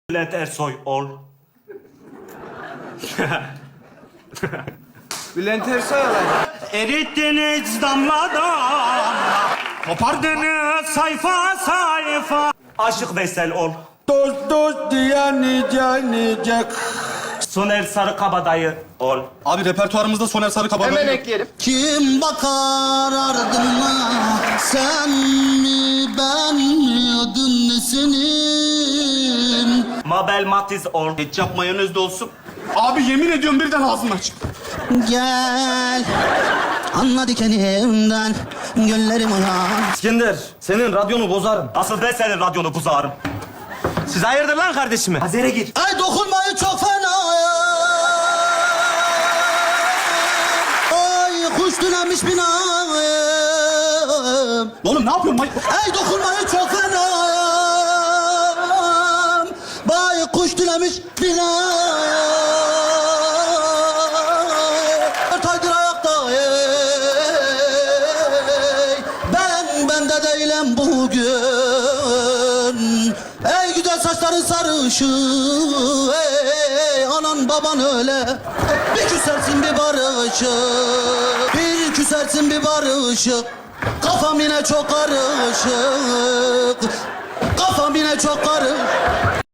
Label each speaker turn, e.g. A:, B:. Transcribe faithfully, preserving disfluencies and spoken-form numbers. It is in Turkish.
A: Bülent Ersoy ol.
B: Bülent Ersoy olacak.
A: Erittiniz damla damla. Kopardınız sayfa sayfa. Aşık Veysel ol.
B: Dost dost diye nice nice.
A: Soner Sarıkabadayı ol.
C: Abi repertuarımızda Soner Sarıkabadayı
B: Hemen
C: yok.
B: ekleyelim.
D: Kim bakar ardına, sen mi ben mi adın ne senin?
A: Mabel Matiz ol.
C: Ketçap mayonez de olsun. Abi yemin ediyorum birden ağzım açık.
D: Gel, anla dikenimden, güllerim uyan.
E: İskender, senin radyonu bozarım.
A: Asıl ben senin radyonu buzağırım.
E: Siz hayırdır lan kardeşime?
A: Azere gir.
D: Ay dokunmayı çok fena. Ay kuş tünemiş binam.
C: Oğlum ne yapıyorsun? May
D: Ay dokunmayı çok fena. Bay kuş tünemiş binam. Taydır ayakta. Ey. Ben bende değilim bugün. Ey güzel saçların sarışın. Ey anan baban öyle. Bir küsersin bir barışık. Bir küsersin bir barışık. Kafam yine çok karışık. Kafam yine çok karışık.